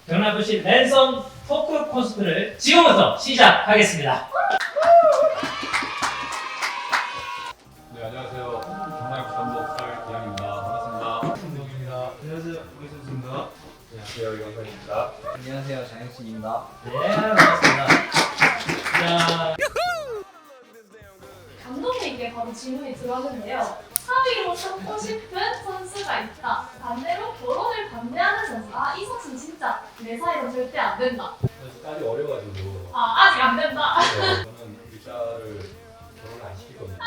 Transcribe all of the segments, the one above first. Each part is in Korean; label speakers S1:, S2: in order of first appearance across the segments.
S1: 경남FC 랜선 토크 콘서트를 지금부터 시작하겠습니다.
S2: 네, 안녕하세요. 경남FC 감독 설기양입니다. 반갑습니다.
S3: 김동입니다. 안녕하세요. 오이선수입니다.
S2: 안녕하세요. 이광선입니다.
S4: 안녕하세요, 장혁진입니다.
S1: 네, 반갑습니다. 자,
S5: 감독님께 바로 질문이 들어왔는데요. 사위로 삼고 싶은 선수가 있다. 반대로 결혼을 반대하는 선수. 이 선수는 진짜 내 사이로 절대 안 된다.
S2: 딸이 어려가지고
S5: 아직 안 된다.
S2: 저는 일자를 결혼을 안 시키거든요.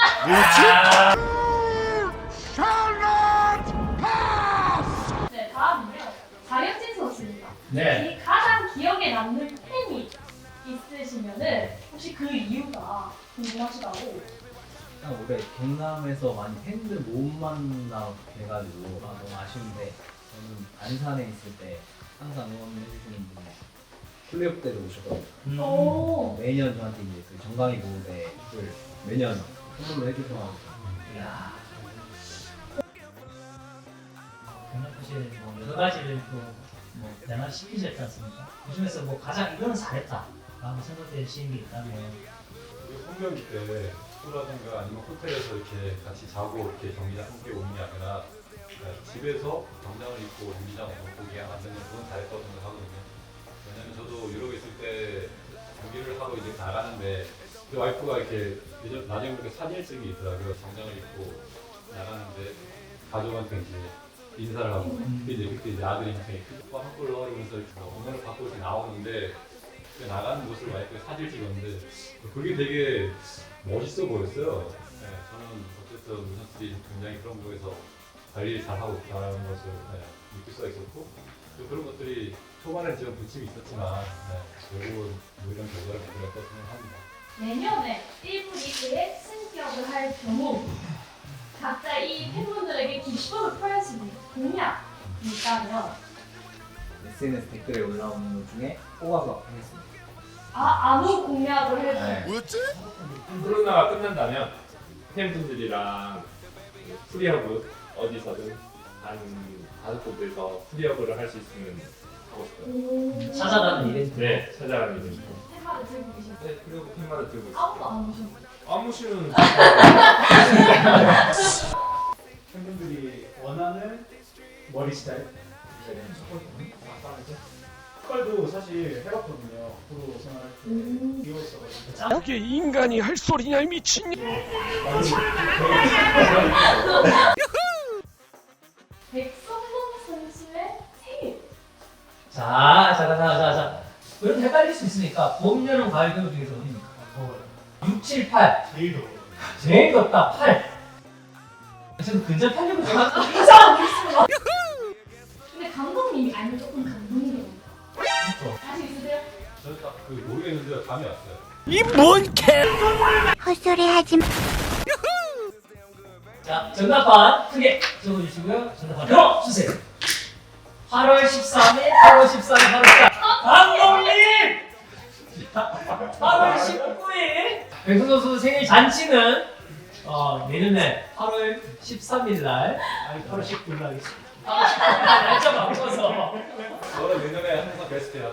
S5: 네, 다음은요. 장혁진 선수입니다.
S1: 네.
S5: 이 가장 기억에 남는 팬이 있으시면은 혹시 그 이유가 궁금하시다고.
S4: 올해 경남에서 많이 팬들 못 만나 돼가지고 너무 아쉬운데 저는 안산에 있을 때 항상 응원해주시는 분이 플레이오프 때도 오셨거든요.
S5: 오.
S4: 매년 저한테 이제 그 정강이 보호대를 매년 선물로 해주셔서
S1: 이야. 경남FC는 뭐 여러 가지를 또뭐 변화시키셨지 않습니까? 그 중에서 뭐 가장 이거는 잘했다 라고 생각되시는 게 있다면
S2: 우리 홈경기 때 숙소라든가 아니면 호텔에서 이렇게 같이 자고 이렇게 경기장 함께 오는 게 아니라 그냥 집에서 경장을 입고 경기장 보게 만드는 그건 잘했다고 생각하거든요. 왜냐면 저도 유럽에 있을 때 경기를 하고 이제 나가는데 그 와이프가 이렇게 나중에 보니까 사진을 찍은 게 있더라고요. 정장을 입고 나가는데 가족한테 이제 인사를 하고 근데 이제 그때 이제 아들이 굉장히 오빠 한 골 넣어 이러면서 응원을 받고 이렇게 나오는데 그 나가는 모습을 와이프가 사진을 찍었는데 그게 되게 멋있어 보였어요. 네, 저는 어쨌든 우리 선수들이 굉장히 그런 부분에서 관리를 잘하고 있다는 것을 느낄 수가 있었고 또 그런 것들이 초반에 지금 부침이 있었지만 결국은 뭐 이런 결과를 만들었다고 생각합니다.
S5: 내년에 1부 리그에 승격을 할 경우 각자 이 팬분들에게 기쁨을 표할 수 있는 공약이 있다면
S4: SNS 댓글에 올라오는 것 중에 뽑아서 하겠습니다.
S5: 아무 공약을 해도
S4: 네.
S6: 코로나가 끝난다면 팬분들이랑 프리허브 어디서든 한 5곳에서 프리허브를 할 수 있으면 하고 싶어요.
S1: 찾아가는 이벤트.
S6: 네, 찾아가는 이벤트.
S5: 팬마를 들고 계신데
S6: 네, 그리고 핀마를 들고 있어요.
S5: 아무도 안 오셨어요.
S6: 아무 시는
S3: 팬분들이 원하는 머리 스타일. 색깔도 사실 해봤거든요. 프로 생활할 때 귀여웠어가지고.
S7: 그게 인간이 할 소리냐 이 미친.
S5: 백성동 선수의 생일.
S1: 자. 그럼 헷갈릴 수 있으니까 봄, 여름, 가을, 겨울 중에서 어디입니까? 6, 7, 8.
S3: 제일 더워.
S1: 제일 덥다 8. 지금 근접 하려고 제가 이상한 게 있습니다.
S5: 근데 감독님이 알면 조금 감동이에요.
S1: 그렇죠.
S5: 자신 있으세요?
S2: 저는 딱 그 모르겠는데 감이 왔어요.
S7: 이 뭔 개?
S1: 자, 정답판 크게 적어주시고요. 정답판 들어주세요. 8월 13일, 8월 14일. 감독님! 8월 19일 백승 선수 생일 잔치는 내년에 8월 13일 날, 아니 8월 19일 날 하겠습니다. 8월 19일 날 날짜 바꿔서.
S2: 저는 내년에 항상 베스트야.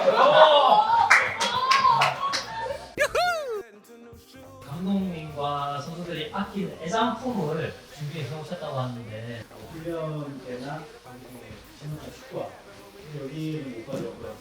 S1: 감독님과 선수들이 아끼는 애장품을 준비해서 오셨다고 하는데
S3: 훈련 때나 신호가 축구화. 여기는 못 가져왔고요.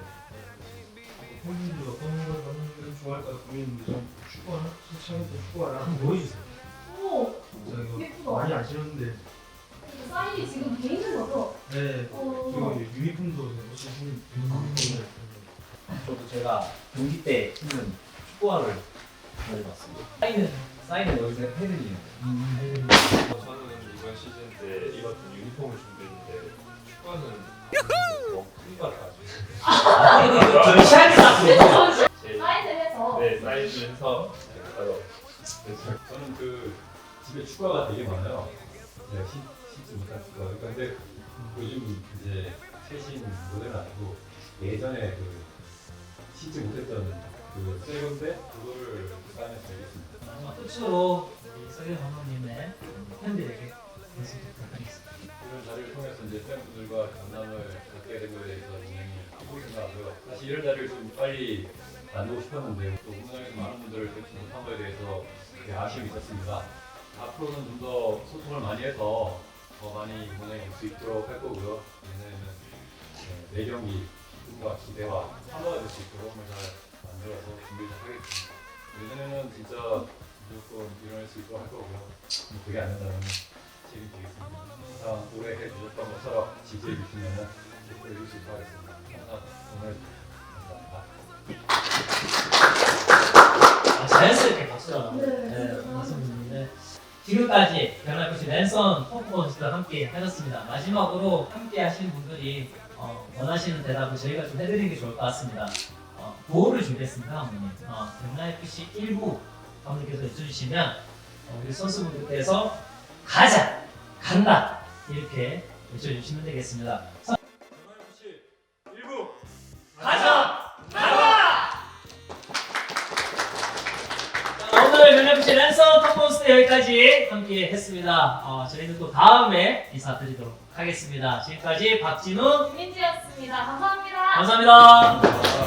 S3: 팬분들 어떤 걸 받는 게 좋아할까 고민인데 좀 축구화? 수창에서 축구화랑 한번 보여주세요.
S5: 오,
S3: 저 이거
S5: 예쁘다.
S3: 많이 아시는데.
S5: 사인이 지금 돼 있는 거죠?
S3: 네.
S5: 어.
S3: 이거 유니폼도 혹시 신
S4: 저도 제가 경기 때 신는 축구화를 가져왔습니다. 사인은 여기서 해드리는 거예요.
S6: 저는 이번 시즌 때 입었던 유니폼을 준비했는데 축구는 너무 큰 것 같아가지고
S1: 전시하게 놨어요.
S6: 제
S5: 사인을 해서.
S6: 네, 사이즈를 해서 바로
S2: 저는 그 집에 축구화가 되게 많아요. 제가 신지 못한 축구화. 근데 요즘 이제 최신 모델은 아니고 예전에 그 신지 못했던 그 새 건데 그거를 사인해서 드리겠습니다.
S1: 마지막 끝으로 우리 서현 감독님의 팬들에게 말씀 부탁드리겠습니다.
S2: 이런 자리를 통해서 이제 팬분들과 경남을 갖게 된 거에 대해서 굉장히 사실 이런 자리를 좀 빨리 만들고 싶었는데 또 응원장에서 많은 분들을 뵙지 못한 거에 대해서 되게 아쉬움이 있었습니다. 앞으로는 좀 더 소통을 많이 해서 더 많이 응원장에 올 수 있도록 할 거고요. 내년에는 내경기 꿈과 기대와 참가가 될 수 있도록 잘 만들어서 준비를 하겠습니다. 내년에는 진짜 무조건 일어날 수 있도록 할 거고요. 그게 안 된다면 책임지겠습니다. 항상 오래 해주셨던 것처럼 지지해 주시면 계속 해줄 수 있도록 하겠습니다. 항상 오늘 감사합니다.
S1: 자연스럽게 박수가
S5: 네.
S1: 말씀드리는데 지금까지 경남FC 랜선 퍼포먼스와 함께 하셨습니다. 마지막으로 함께 하신 분들이 원하시는 대답을 저희가 좀 해드리는 게 좋을 것 같습니다. 구호를 준비했습니다, 감독님. 경남FC 1부 감독님께서 외쳐주시면 우리 선수분들께서 가자, 간다 이렇게 외쳐주시면 되겠습니다.
S2: 경남FC 1부
S1: 가자! 간다! 자, 오늘 경남FC 랜선 퍼포먼스 여기까지 함께 했습니다. 저희는 또 다음에 인사드리도록 하겠습니다. 지금까지 박진훈
S5: 민지였습니다. 감사합니다.
S1: 감사합니다.